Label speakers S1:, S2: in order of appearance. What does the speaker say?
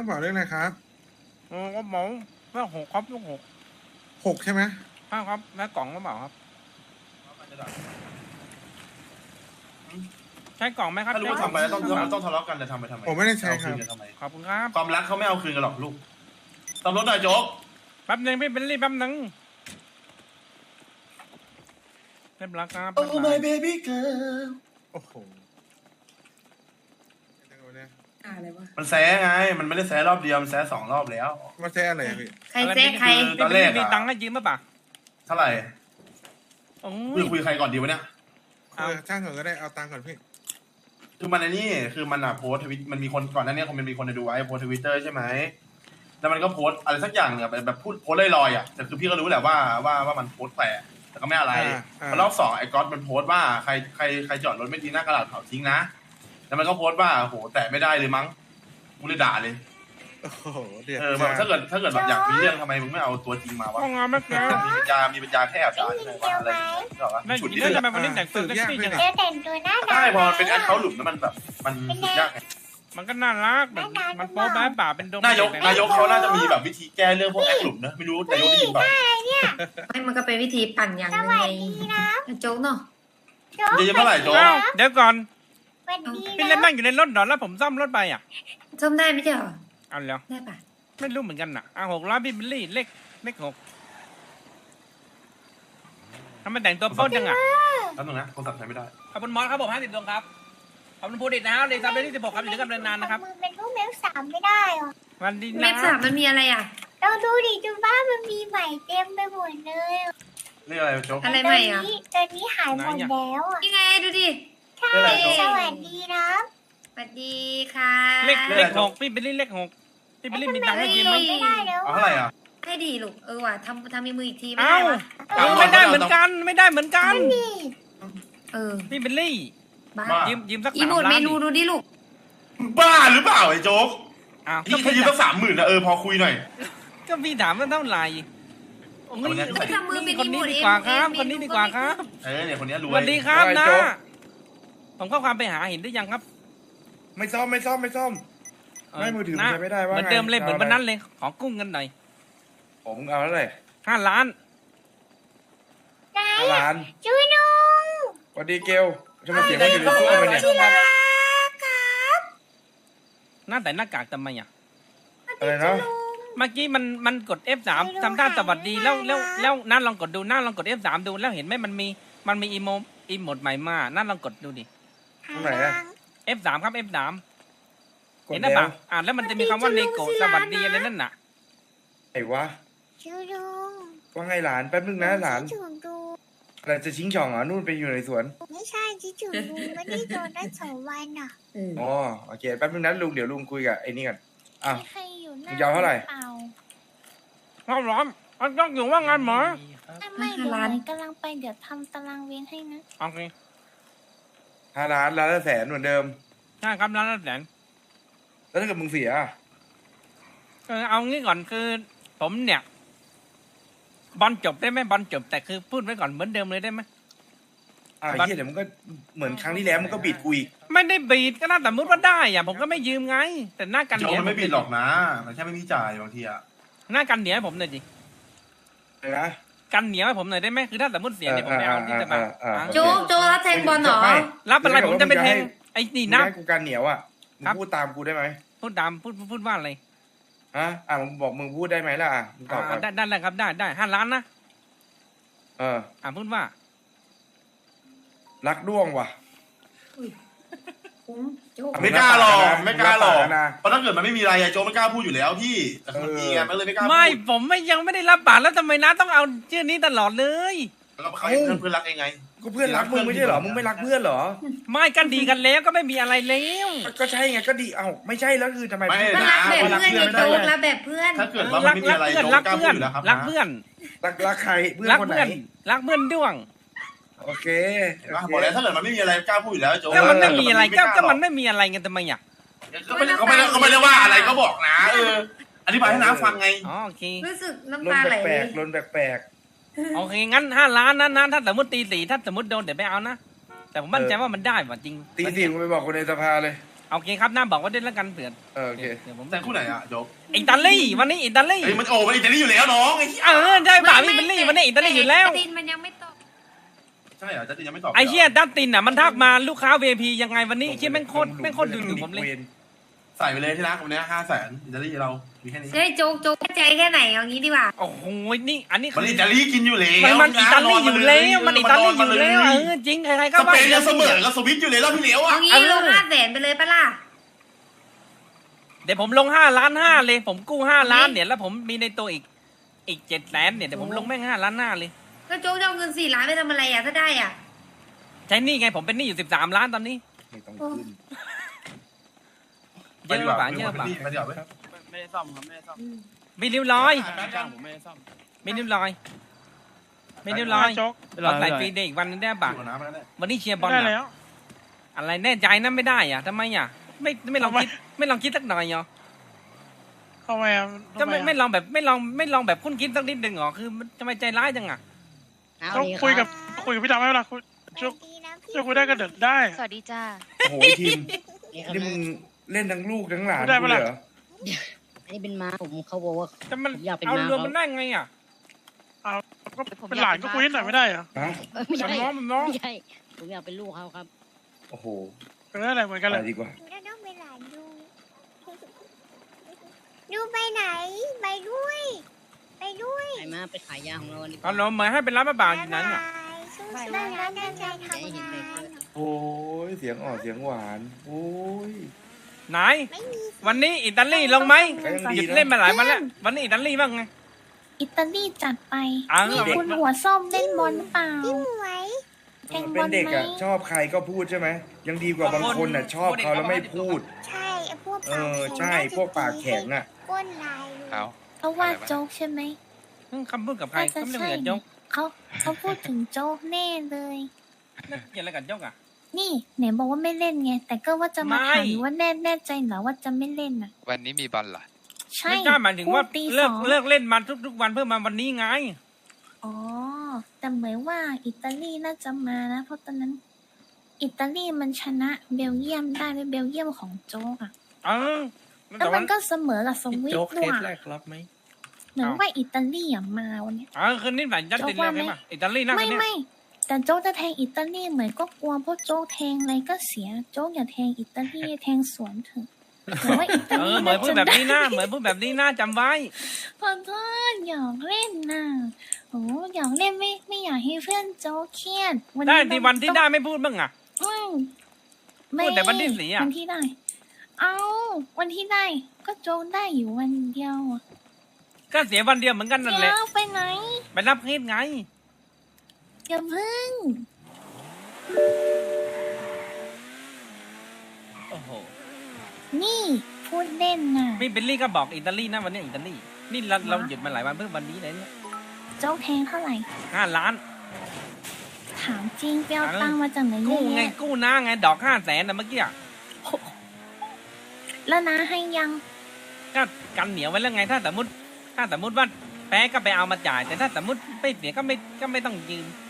S1: เป๋าเลขอะไรครับ
S2: ก็หมอแม่หกครับลูกหก
S1: 6ใช่ไหม
S2: ห้าครับแม่กล่องก็เปล่าครับใช้กล่องไหมครับ
S3: ถ้ารู้ว่าทำไปแล้วต้องทะเลาะกันแต่ทำไปทำไม
S1: ผมไม่ได้ใช้ครับ
S2: ขอบคุณครับ
S3: ความรักเขาไม่เอาคืนกันหรอกลูกตำรวจหน่อยโจ๊ก
S2: แป๊บนึงพี่เบลลี่แป๊บนึงเรียบร้อยครับ
S3: โอ้ my baby girl
S1: โอ้โหจังหวะเนี่ย
S4: อะไรวะ
S3: มันแซะไง มันไม่ได้แซะรอบเดียว มันแซะ2 รอบแล้ว
S1: มาแซ่อะไรอะพี่
S4: ใครเจ๊ใคร
S3: ตอนแรกอะ
S2: มีตังค์ให้ยืมป่ะป่ะ
S3: เท่าไหร่
S2: โอ้
S3: คุยใครก่อนดีวะเนี่ย
S1: ช่างก่อนก็ได้เอาตังค์ก่อนพี่
S3: คือมันไอ้นี่คือมันอะโพสทวิตมันมีคนก่อนหน้านี้คงมีคนดูไว้โพสทวิตเตอร์ใช่ไหมแล้วมันก็โพสอะไรสักอย่างเนี่ยแบบพูดโพสลอยๆอ่ะแต่คือพี่ก็รู้แหละว่ามันโพสแฝงแต่ก็ไม่อะไรพอรอบ2ไอ้ก๊อตมันโพสว่าใครจอดรถไม่ดีหน้ากระดาษเผาทิ้งนะแล้วมันก็โพสว่าโหแต่ไม่ได้เลยมั้งกูเลยด่าเลย
S1: โอ้โหเดือด
S3: แบบถ้าเกิดแบบอยากมีเรื่องทำไมมึงไม่เอาตัวจริงมาวะ
S2: ห้องงานไหมครับ
S3: มีปัญญาแค่แอบด่าใช่ไหมวะอะไรก็วะ
S2: ไม่
S3: ฉุด
S2: ยิ
S3: นิ
S2: น
S3: ด
S2: ดี
S3: นึง
S2: ทำไมวันนี้แต่งตัวเซ็กซี่จัง
S5: เดี๋ยวแต่งตัวหน้า
S3: ใช่พอมันเป็นแอคเคาท์หลุมแล้วมันแบบมันสุดยากไง
S2: มันก็น่ารักแบบมันโป๊แป๊บป่าเป็นดง
S3: นายกเขาน่าจะมีแบบวิธีแก้เรื่องพวกแอคหลุมนะไม่รู้นายกได้ยินเปล่า
S4: ไม่มันก็เป็นวิธีปั่นอย่างหนึงไงโจ๊กเนาะ
S3: จะยืมเท่าไหร่โจ๊ก
S2: เอ้าเดี๋ยวก่อน
S5: สวัสดี
S2: พี่
S5: นะ
S2: เล่นนั่งอยู่ในรถดอนแล้วผมซ่อมรถไปอ่ะ
S4: ซ่อมได้ไม่ใช่เหรอ
S2: เอาแล้ว
S4: ได้ปะ
S2: ไม่รู้เหมือนกันน่ะ600พี่เบลลี่เลข6ทำไมแต่งตัวโป๊จังอ่ะ
S3: แล้วนึงนะโทรศัพท์ใช้ไม่ได้
S2: ขอบคุณมอสครับผม50ดวงครับขอบคุณภูดิตนะครับเดซับเดที่16ครับอยู่ด้วยกันนานๆนะครับ
S5: มือเป็นรูปเมล3ไม่ได้หรอ
S2: วันดี
S4: เม
S2: นะ
S4: ฟสามมันมีอะไรอ่ะ
S5: เราดูดิจุบ้านมันมีใหม่เต็มไปหมดเลย
S3: เรียกอะไรโจ๊ก
S4: อะไรใหม่อ่ะ
S5: ตอนนี้หายหมดแล้วอ่ะ
S4: ยังไงดูดิ
S5: ใช่สวัสดีนะ
S4: สวัสดีค่ะ
S2: เลข6พี่เบลลี่เลข6พี่เบลลี่มีตังค์ให้ยืมไหม
S5: ไม่ได้แล้ว
S3: เอาเท่าไหร่อ่ะ
S4: ให้ดีลูกว่ะทำมีมืออีกทีไม่
S2: เอ้า
S4: ได้วะ
S2: ไม่ได้เหมือนกันไม่ได้เหมือนกัน
S5: นี่
S2: พี่เบลลี่
S4: บ้า
S2: ยืมสัก
S4: อี
S2: 3
S4: หมด
S2: ล้า
S4: เม
S2: น
S4: นูดูดิลูก
S3: บ้าหรือเปล่าไอ้โจ๊ก
S2: อ้าว
S3: พี่ยืมตั้ง30,000นะพอคุยหน่อย
S2: ก็พี่ถามว่าเท่าไหร่โอ้ย
S4: ไม่ทำมือเป็น
S2: คน
S4: อีหม
S2: นี้
S4: ด
S2: ดี
S4: เอง
S2: กว่าครับคนนี้ดีกว่าครับ
S3: เนี่ยคนนี้ร
S2: ส
S3: วย
S2: วัสดีครับนะผมเข้าความไปหาเห็นได้ยังครับ
S6: ไม่ซ่อม ไม่มือถือมันใช้ไม่ได้ว่า
S2: เหมือน
S6: ไง
S2: เดิมเลยเหมือน
S6: เอาอะไร
S2: วันนั้นเลยขอกุ้งกันหน่อย
S6: ผมเอาแล้วเลย
S2: 5 ล้าน
S5: ไหน
S6: ร้าน
S5: ช่วยน้อง
S6: สวัสดีเกลจะมาเสียงมันอยู่ในตู้มันเนี่ย
S2: หน้าแต่หน้ากากทำไมอ่ะ
S6: อะไรนะ
S2: เมื่อกี้มันกด F3 ทำท่าสวัสดีแล้วนั่นลองกดดูนั่นลองกด F3 ดูแล้วเห็นไหมมันมีอีโมดใหม่มานั่นลองกดดูดิ
S6: ตรงไหนอะ
S2: F3 ครับ F3
S6: กด
S2: เห็นหรือ
S6: แล้
S2: เปล่าว อ่านแล้วมันจะมีคำว่าเลโกสวัสดีอะไรนั่นน่ะ
S6: ไอ้วะ
S5: ช่วยน้อง
S6: ว่าไงหลานแป๊บนึงนะหลาน
S5: คิดถึงดู
S6: อะไรจะชิงช่องเหรอนู่นไปอยู่ในสวน
S5: ไม่ใช่คิดถึงดูไม่ได้โดนได้2 วันอ่ะ
S6: อ๋อโอเคแป๊บนึงนะลุงเดี๋ยวลุงคุยกับไอ้นี่ก่อนอ่ะ
S5: มีใครอยู่หน้า
S6: มึงจะเอาเท่าไหร่
S5: เปล่า
S2: ร้อนร้อนมันต้องอยู่ว่างานหมอ
S5: ไม่เดี๋ยวหนูกำลังไปเดี๋ยวทำตารางเวรให้นะ
S2: โอเค
S6: 5 ล้านละ100,000เหมือนเดิม
S2: ใช่ครับร้านละแสน
S6: แล้วถ้าเกิดมึงเสียอะ
S2: เอางี้ก่อนคือผมเนี่ยบอลจบได้ไหมบอลจบแต่คือพูดไว้ก่อนเหมือนเดิมเลยได้ไหม
S6: ไอ้เหี้ยเดี๋ยวมึงก็เหมือนครั้งที่แล้วมึงก็บิดกูอีก
S2: ไม่ได้บีดก็น่าแต่มุดว่าได้อะผมก็ไม่ยืมไง แต่หน้ากัน
S3: โจ๊
S2: เห
S3: ก
S2: นียว
S3: มันไม่ผิดหรอกนะมันแค่ไม่มีจ่ายบางทีอะ
S2: หน้ากันเหนียวให้ผมหน่อยดิ
S6: อะไรนะ
S2: กันเหนียวให้ผมหน่อยได้ไหมคือถ้าสมมติเสียเนี่ยผมไม่เอาที่จะมา
S4: โจ๊กรับแทงบอลเหรอ
S6: ไม่
S2: รับอะไรผมจะไปแทงไอ้นี่
S6: มึง
S2: นะ
S6: ให้กูการเหนียวอ่ะมึง
S2: ครับ
S6: พูดตามกูได้ไหม
S2: พูดตามพูดว่าอะไร
S6: ฮะมึงบอกมึงพูดได้ไหมล่ะมึงตอบก่อน
S2: ได้เลยครับได้5 ล้านนะ พูดว่า
S6: รักด้วงว่ะ
S4: โจ๊ก
S3: ไม่กล้าหรอกไม่กล้าหรอก
S6: นะ
S3: เพราะถ้าเกิดมันไม่มีอะไรโจ๊กไม่กล้าพูดอยู่แล้วพี่แต่มันมีไงมันเลยไม่กล้าพูด
S2: ไม่ผมยังไม่ได้รับบาทแล้วทำไมนะต้องเอาชื่อนี้ตลอดเลย
S3: แล้วก็เขาเพื่อนรักเองไง
S6: ก็เพื่อนรักมึงไม่ใช่เหรอมึงไม่รักเพื่อนเหรอ
S2: ไม่กันดีกันแล้วก็ไม่มีอะไรแล้ว
S6: ก็ใช่ไงก็ดีไม่ใช่แล้วคือทำไม
S3: ไม่
S4: ก็รักแบบเพื่อนไงโจ๊กรักแบบเพื่อน
S3: ถ้าเกิดว่ามันไม่มีอะไรโจ๊ก
S2: รัก
S3: กล้าพู
S2: เพื่อ
S3: ด
S2: น
S3: อยู่แล้วครับ
S2: รักเพื่อน
S6: รักใครเพื่อน
S2: รัก
S6: คนไหน
S2: เพื่อนรักเพื่อนด้วง
S6: โอเค
S3: บอกแล้วถ้าเกิดมันไม่มีอะไรกล้าพูดอยู่แล้วโจ๊ก
S2: ก็มันไม่มีอะไรก็มันไม่มีอะไรไงทำไมอ่ะ
S3: ก็ไม่ได้ว่าอะไรก็บอกนะอธิบายให้น้าฟังไง
S2: อ๋อโอเค
S4: รู้สึก
S6: ล
S4: น้ำ
S6: น
S4: ตาไหล
S6: แปลกๆลนแปลก
S2: โอเคงั้น5 ล้านนะถ้าสมมติตี 4ถ้าสมมติโดนเดี๋ยวไม่เอานะแต่ผมมั่นใจว่ามันได้ว่ะจริง
S6: ๆตีสี่มึงไปบอกคนในสภาเลย
S2: โอเคครับน้าบอกว่าด้วยแล้วกันเผื่อ
S6: โอเค
S2: เดี๋ยวผม
S3: แต่คู่ไหนอะโจ๊ก
S2: อิตาลีวันนี้อิตาลี
S3: เฮ้ยมันโอ้มันอิตาลีอยู่แล้วน้องไอ้เหี้ย
S2: ใช่ป่ะพี่บิลลี่วันนี้อิตาลีอยู่แล้ว
S4: ตินมันยังไม่ตก
S3: ใช่เหรอจัสตินยังไม่ตอบ
S2: ไอ้เหี้ยดัตตินอ่ะมันทักมาลูกค้า VIP ยังไงวันนี้เหี้ยแม่งโคตรดูถูกผมเลย
S3: ใส่ไปเลยที่รักวันนี้500,000อิตาลีเรามีแค่นี้
S4: จะได้โจ๊กใจแค่ไหนเอางี้ดีกว่า
S2: โอ้โหนี่อันนี้
S3: มันอิตาลีกินอยู่แล้ว
S2: มันอิตาลีอยู่แล้วมันอิตาลีอยู่แล้วจริงใครๆก็
S3: ส
S2: ว่า
S3: เปนยังเสมอกับสวิตอยู่เลยรอบที่แล้ว
S4: เอา
S3: อะ
S4: งี้ลง500,000ไปเลยปะล่ะ
S2: เดี๋ยวผมลง5 ล้าน 5เลยผมกู้5 ล้านเนี่ยแล้วผมมีในตัวอีก700,000เนี่ยเดี๋ยวผมลงแม่ง5 ล้าน 5เลย
S4: ก็โจ๊กจะเอาเงิน4 ล้านไปทำอะไรอ่ะถ้าได้อ่ะ
S2: ใช้หนี่ไงผมเป็นหนี้อยู่13 ล้านตอนนี้
S6: ไม่ต้องขึ้น
S2: เยอะป่ะเยอะป่ะ
S3: ไปดีกว่า
S7: ไม่ได้ซ่อมครับไม่ได้ซ่อม
S2: มีริ้วรอย
S7: จ้างผมไม่ได้ซ่อม
S2: มีริ้วรอยมีริ้วรอย
S7: โจ๊ก
S2: รถไหลฟรีเดย์อีกวันนึงได้ป่ะ
S3: อยู่กับน้ำแล้วเนี่ย
S2: วันนี้เชียร์บอล
S7: ได้
S2: อะ
S7: แล้ว
S2: อะไรแน่ใจนะไม่ได้อ่ะทำไมอ่ะไม่ลองคิดไม่ลองคิดสักหน่อยเหรอ
S7: เข้ามา
S2: จะไม่ลองแบบไม่ลองแบบคุ้นคิดสักนิดหนึ่งเหรอคือมันทำไมใจร้ายจังอ่ะ
S7: ต้องคุยกับพี่ดำไหมล่ะคุยจะคุยได้ก็เดินได้
S5: สวัสดีจ้า
S6: โอ้โหทีมนี่มึงเล่นทั้งลูกทั้งหลาน
S7: ได้ปะล่ะ
S6: กูเลยเหรอ
S8: อันนี้เป็นม้าผมเขาบอกว่า
S2: แต่มัน
S8: ผมอยากเป็น
S2: เอา
S8: ม้าร
S2: วม
S8: เขา
S2: มันได้ไงอ่ะ
S7: ก็เป็นหลานก็คุยนิดหน่อยไม่ได้เหรอ
S6: ฮะ
S8: ไม่
S2: มัน
S8: ใช่
S2: น้องมันน้อง
S8: ไม่ใช่ผมอยากเป็นลูกเขาครับ
S6: โอ้โห
S7: เป็นอะไรเหมือนกันเล
S6: ไป
S7: ย
S6: ดีกว่า
S5: ต้องไปหลานดูดูไปไหน ไปด้วย ไปด้วย
S8: ไอ้ม้าไปขายยาของเราวันนี้
S2: เอาเราเหมือนให้เป็นร้านมะบางอยู่นั้นอ่ะ
S5: นั่นนั่นใจทำงาน
S6: โอ้ยเสียงอ่อนเสียงหวาน โอ้ย
S2: ไหนวันนี้อิตาลีลงไหม
S6: ก็ยังดีนะ
S2: หยุดเล่นมาหลายวันแล้ววันนี้อิตาลีบ้างไง
S5: อิตาลีจัดไป
S2: อ้าว
S5: นี่คุณหัวส้มเล่นบอลหรือเปล่าพี่หมวยแทงบ
S6: เป็
S5: อน ล
S6: เด็ก
S5: ไหม
S6: อ่ะชอบใครก็พูดใช่ไหมยังดีกว่าบางคนอ่ะชอบเขาแล้วไม่พูด
S5: ใช่พวก
S6: เออใช่พวกปากแข็งอ่ะ
S5: ก้นลาย
S7: เอา
S5: เขาว่าโจ๊กใช่ไหม
S2: คำพูดกับใครก็ไม่ได้เหมือนโจ๊ก
S5: เขาพูดถึงโจ๊กแน่เลย
S2: นั่นเกี่ยวอะไรกับโจ๊กอ่ะ
S5: นี่ไหนบอกว่าไม่เล่นไงแต่ก็ว่าจะมา
S2: ไม่
S5: ถามอยู่ว่าแน่ใจเหรอว่าจะไม่เล่นอ่ะ
S7: วันนี้มีบอลเหรอ
S5: ใช่
S2: ไม่ใช่หมายถึงว่า
S5: พูดตี
S2: เลิก
S5: 2
S2: เล่นมาทุกวันเพื่อมาวันนี้ไง
S5: อ๋อแต่เหมือนว่าอิตาลีน่าจะมานะเพราะตอนนั้น อิตาลีมันชนะเบลเยียมได้ด้วยเบลเยียมของโจ๊กอ่ะ
S2: เออ
S5: แล้วมันก็เสมอกับสวิต
S1: โจ๊ก
S5: ด้
S1: เท
S5: วย
S1: สแรกรับไหม
S5: เหมือนว่าอิตาลีอ่ะมาวันเนี้ย
S2: คืนนี้หลายจัดตินเลยใช่ปะอิตาลีนั่ง
S5: ไม่
S2: กันเนี่ย
S5: ไม่แต่โจ๊กจะแทงอิตาลีเหมือนก็กลัวเพราะโจ๊กแทงอะไรก็เสียโจ๊กอย่าแทงอิตาลีแทงสวนเถอะเหมือนว่าอิตาลี
S2: เหมือนพูด
S5: จะ
S2: แบบ
S5: ได้
S2: นี้นะเหมือนพูดแบบนี้นะจำไว้
S5: ขอโทษอยากเล่นน่ะโอ้อยากเล่นไม่อยากให้เพื่อนโจ๊กเครียด
S2: ได้ที่วันที่ได้ไม่พูดบ้างอ่ะ
S5: อืม
S2: พูดแต่วันที่เสีย
S5: วันที่ได้ เอาวันที่ได้ ก็โจ๊กได้อยู่วันเดียวอะ
S2: ก็เสียวันเดียวเหมือนกันนั่นแห
S5: เดี๋
S2: ละ
S5: ยวไปไหน
S2: ไปรับเคสไง
S5: อย่าพึ่ง
S2: โอ้โห
S5: นี่พูดเล่นน่ะ
S2: พี่เบลลี่ก็บอกอิตาลีนะวันนี้อิตาลีนี่เราหยุดมาหลายวันเพื่อวันนี้เลยเนี่ย
S5: โจ๊กแทงเท่าไหร่
S2: 5 ล้าน
S5: ถามจริงไปเอาตังค์มาจากไหนเย
S2: กู้
S5: อะ
S2: ไง
S5: แยะ
S2: กู้นะไงดอก500,000นะเมื่อกี้
S5: แล้วนะให้ยัง
S2: ก็กันเหนียวไว้แล้วไงถ้าสมมติว่าแพ้ก็ไปเอามาจ่าย แต่ถ้าสมมติไม่เสียก็ไม่ต้องยืม